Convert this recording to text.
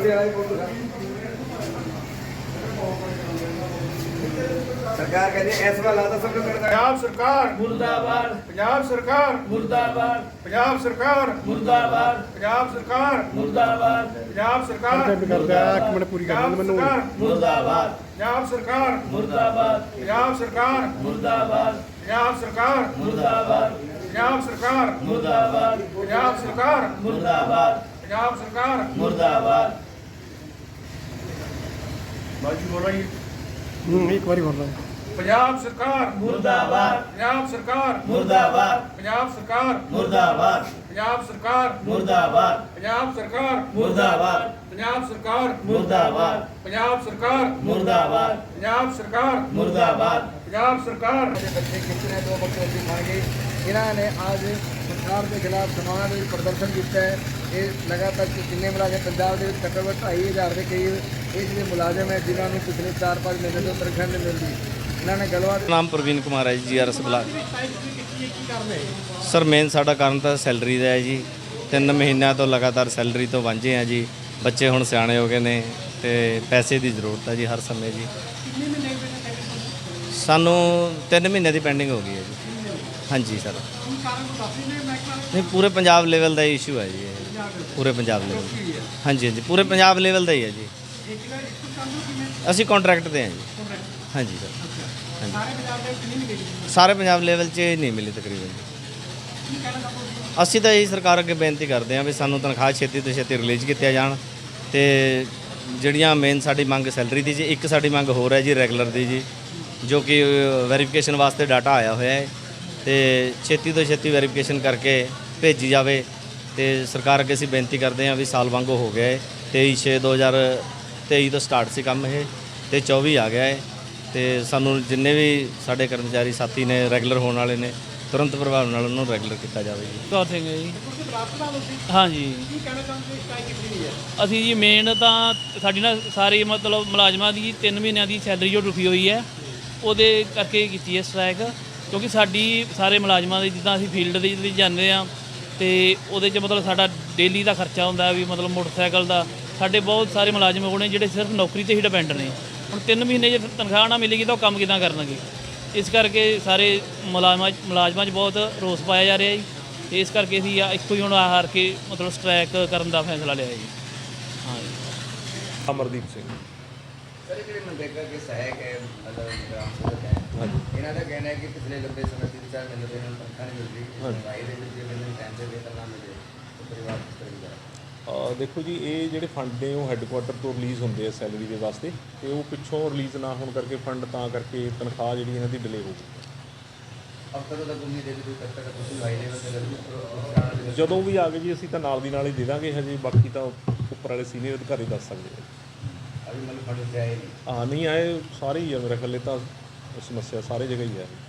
सरकार कहती है ऐसा लाता सब लोग करता है। पंजाब सरकार मुर्दाबाद पंजाब सरकार मुर्दाबाद पंजाब सरकार मुर्दाबाद पंजाब सरकार मुर्दाबाद पंजाब सरकार करता है एक मिनट पूरी कर मैनू मुर्दाबाद पंजाब सरकार मुर्दाबाद पंजाब सरकार मुर्दाबाद पंजाब सरकार मुर्दाबाद पंजाब सरकार मुर्दाबाद पंजाब सरकार मुर्दाबाद पंजाब सरकार मुर्दाबाद बाजी बोलो ये एक बारी बोल रहा हूँ पंजाब सरकार मुर्दाबाद पंजाब सरकार मुर्दाबाद पंजाब सरकार मुर्दाबाद पंजाब सरकार मुर्दाबाद पंजाब सरकार मुर्दाबाद पंजाब सरकार मुर्दाबाद पंजाब सरकार मुर्दाबाद पंजाब सरकार मुर्दाबाद पंजाब सरकार बच्चे कितने दो बच्चे मार गए इन्होंने आज सरकार के खिलाफ समाना में प्रदर्शन किया है। ये लगातार जिन्हें मुलाजम पंजाब के घट्टो घट्ट 2,500 के करीब ये जो मुलाजम है जिन्होंने पिछले 4-5 महीने तो तनख्वाह नहीं मिलती इन्होंने गलबात ਨਾਮ ਪ੍ਰਵੀਨ ਕੁਮਾਰ ਹੈ ਜੀ ਜੀਆਰਐਸ ਬਲਾਕ। ਸਰ ਮੇਨ ਸਾਡਾ ਕਾਰਨ ਤਾਂ ਸੈਲਰੀ ਦਾ ਹੈ ਜੀ। 3 ਮਹੀਨਿਆਂ ਤੋਂ ਲਗਾਤਾਰ ਸੈਲਰੀ ਤੋਂ ਵਾਂਝੇ ਆ ਜੀ। ਬੱਚੇ ਹੁਣ ਸਿਆਣੇ ਹੋ ਗਏ ਨੇ ਤੇ ਪੈਸੇ ਦੀ ਜ਼ਰੂਰਤ ਹੈ ਜੀ ਹਰ ਸਮੇਂ ਜੀ। ਸਾਨੂੰ 3 ਮਹੀਨੇ ਦੀ ਪੈਂਡਿੰਗ ਹੋ ਗਈ ਹੈ ਜੀ। ਹਾਂਜੀ ਸਰ ਨਹੀਂ ਪੂਰੇ ਪੰਜਾਬ ਲੈਵਲ ਦਾ ਇਸ਼ੂ ਹੈ ਜੀ ਇਹ। ਪੂਰੇ ਪੰਜਾਬ ਲੈਵਲ ਹਾਂਜੀ ਹਾਂਜੀ ਪੂਰੇ ਪੰਜਾਬ ਲੈਵਲ ਦਾ ਹੀ ਹੈ ਜੀ। ਅਸੀਂ ਕੰਟਰੈਕਟ ਤੇ ਹਾਂ ਜੀ। ਹਾਂਜੀ ਸਰ ਸਾਰੇ ਪੰਜਾਬ ਲੈਵਲ 'ਚ ਨਹੀਂ ਮਿਲੀ ਤਕਰੀਬਨ ਜੀ। ਅਸੀਂ ਤਾਂ ਇਹੀ ਸਰਕਾਰ ਅੱਗੇ ਬੇਨਤੀ ਕਰਦੇ ਹਾਂ ਵੀ ਸਾਨੂੰ ਤਨਖਾਹ ਛੇਤੀ ਤੋਂ ਛੇਤੀ ਰਿਲੀਜ਼ ਕੀਤੀਆਂ ਜਾਣ ਤੇ ਜਿਹੜੀਆਂ ਮੇਨ ਸਾਡੀ ਮੰਗ ਸੈਲਰੀ ਦੀ ਜੀ। ਇੱਕ ਸਾਡੀ ਮੰਗ ਹੋਰ ਹੈ ਜੀ ਰੈਗੂਲਰ ਦੀ ਜੀ ਜੋ ਕਿ ਵੈਰੀਫਿਕੇਸ਼ਨ ਵਾਸਤੇ ਡਾਟਾ ਆਇਆ ਹੋਇਆ ਹੈ ਤੇ ਛੇਤੀ ਤੋਂ ਛੇਤੀ ਵੈਰੀਫਿਕੇਸ਼ਨ ਕਰਕੇ ਭੇਜੀ ਜਾਵੇ। ਤੇ ਸਰਕਾਰ ਅੱਗੇ ਅਸੀਂ ਬੇਨਤੀ ਕਰਦੇ ਹਾਂ ਵੀ ਸਾਲ ਵਾਂਗੂ ਹੋ ਗਿਆ ਹੈ। 23/6/2023 ਤੋਂ ਸਟਾਰਟ ਸੀ ਕੰਮ ਇਹ ਤੇ 24 ਆ ਗਿਆ ਹੈ ਤੇ ਸਾਨੂੰ ਜਿੰਨੇ ਵੀ ਸਾਡੇ ਕਰਮਚਾਰੀ ਸਾਥੀ ਨੇ ਰੈਗੂਲਰ ਹੋਣ ਵਾਲੇ ਨੇ ਤੁਰੰਤ ਪ੍ਰਭਾਵ ਨਾਲ ਉਹਨੂੰ ਰੈਗੂਲਰ ਕੀਤਾ ਜਾਵੇ ਜੀ। ਕੌਰ ਸਿੰਘ ਹੈ ਜੀ। ਹਾਂਜੀ ਅਸੀਂ ਜੀ ਮੇਨ ਤਾਂ ਸਾਡੀ ਨਾ ਸਾਰੇ ਮਤਲਬ ਮੁਲਾਜ਼ਮਾਂ ਦੀ 3 ਮਹੀਨਿਆਂ ਦੀ ਸੈਲਰੀ ਜੋ ਰੁਕੀ ਹੋਈ ਹੈ ਉਹਦੇ ਕਰਕੇ ਕੀਤੀ ਹੈ ਸਟ੍ਰਾਈਕ। ਕਿਉਂਕਿ ਸਾਡੀ ਸਾਰੇ ਮੁਲਾਜ਼ਮਾਂ ਦੇ ਜਿੱਦਾਂ ਅਸੀਂ ਫੀਲਡ ਦੇ ਵਿੱਚ ਜਾਂਦੇ ਹਾਂ ਤੇ ਉਹਦੇ 'ਚ ਮਤਲਬ ਸਾਡਾ ਡੇਲੀ ਦਾ ਖਰਚਾ ਹੁੰਦਾ ਵੀ ਮਤਲਬ ਮੋਟਰਸਾਈਕਲ ਦਾ। ਸਾਡੇ ਬਹੁਤ ਸਾਰੇ ਮੁਲਾਜ਼ਮ ਹੋਣੇ ਜਿਹੜੇ ਸਿਰਫ ਨੌਕਰੀ 'ਤੇ ਹੀ ਡਿਪੈਂਡ ਨੇ। ਹੁਣ 3 ਮਹੀਨੇ ਜੇ ਤਨਖਾਹ ਨਾ ਮਿਲੇਗੀ ਤਾਂ ਉਹ ਕੰਮ ਕਿੱਦਾਂ ਕਰਨਗੇ। ਇਸ ਕਰਕੇ ਸਾਰੇ ਮੁਲਾਜ਼ਮਾਂ 'ਚ ਬਹੁਤ ਰੋਸ ਪਾਇਆ ਜਾ ਰਿਹਾ ਜੀ ਤੇ ਇਸ ਕਰਕੇ ਅਸੀਂ ਇੱਕੋ ਹੀ ਹੁਣ ਹਾਰ ਕੇ ਮਤਲਬ ਸਟ੍ਰਾਈਕ ਕਰਨ ਦਾ ਫੈਸਲਾ ਲਿਆ ਜੀ। ਹਾਂ ਜੀ ਅਮਰਦੀਪ ਸਿੰਘ सर जो मनरेगा के सहायक है मतलब ग्राम सेवक है इन्हों का कहना है कि पिछले लंबे समय से 4 महीने से इन्होंने तनख्वाह नहीं मिल रही भाई टाइम से वेतन ना मिले तो परिवार किस तरह का ਦੇਖੋ ਜੀ ਇਹ ਜਿਹੜੇ ਫੰਡ ਨੇ ਉਹ ਹੈੱਡਕੁਆਟਰ ਤੋਂ ਰਿਲੀਜ਼ ਹੁੰਦੇ ਆ ਸੈਲਰੀ ਦੇ ਵਾਸਤੇ ਤੇ ਉਹ ਪਿੱਛੋਂ ਰਿਲੀਜ਼ ਨਾ ਹੋਣ ਕਰਕੇ ਫੰਡ ਤਾਂ ਕਰਕੇ ਤਨਖਾਹ ਜਿਹੜੀ ਇਹਨਾਂ ਦੀ ਡਿਲੇ ਹੋ ਗਈ। अब तक तो उम्मीद है कि तब तक कुछ भाई लेवल से ਜਦੋਂ ਵੀ ਆ ਗਏ ਜੀ ਅਸੀਂ ਤਾਂ ਨਾਲ ਦੀ ਨਾਲ ਹੀ ਦੇ ਦਾਂਗੇ। ਹਜੇ ਬਾਕੀ ਤਾਂ ਉੱਪਰ ਵਾਲੇ ਸੀਨੀਅਰ ਅਧਿਕਾਰੀ ਦੱਸ ਸਕਦੇ ਆ। अभी मतलब फंड से आए नहीं ਹਾਂ ਨਹੀਂ ਆਏ ਸਾਰੇ ਹੀ ਆ ਮੇਰੇ ਖਿਆਲ ਤਾਂ ਸਮੱਸਿਆ ਸਾਰੇ ਜਗ੍ਹਾ ਹੀ ਹੈ।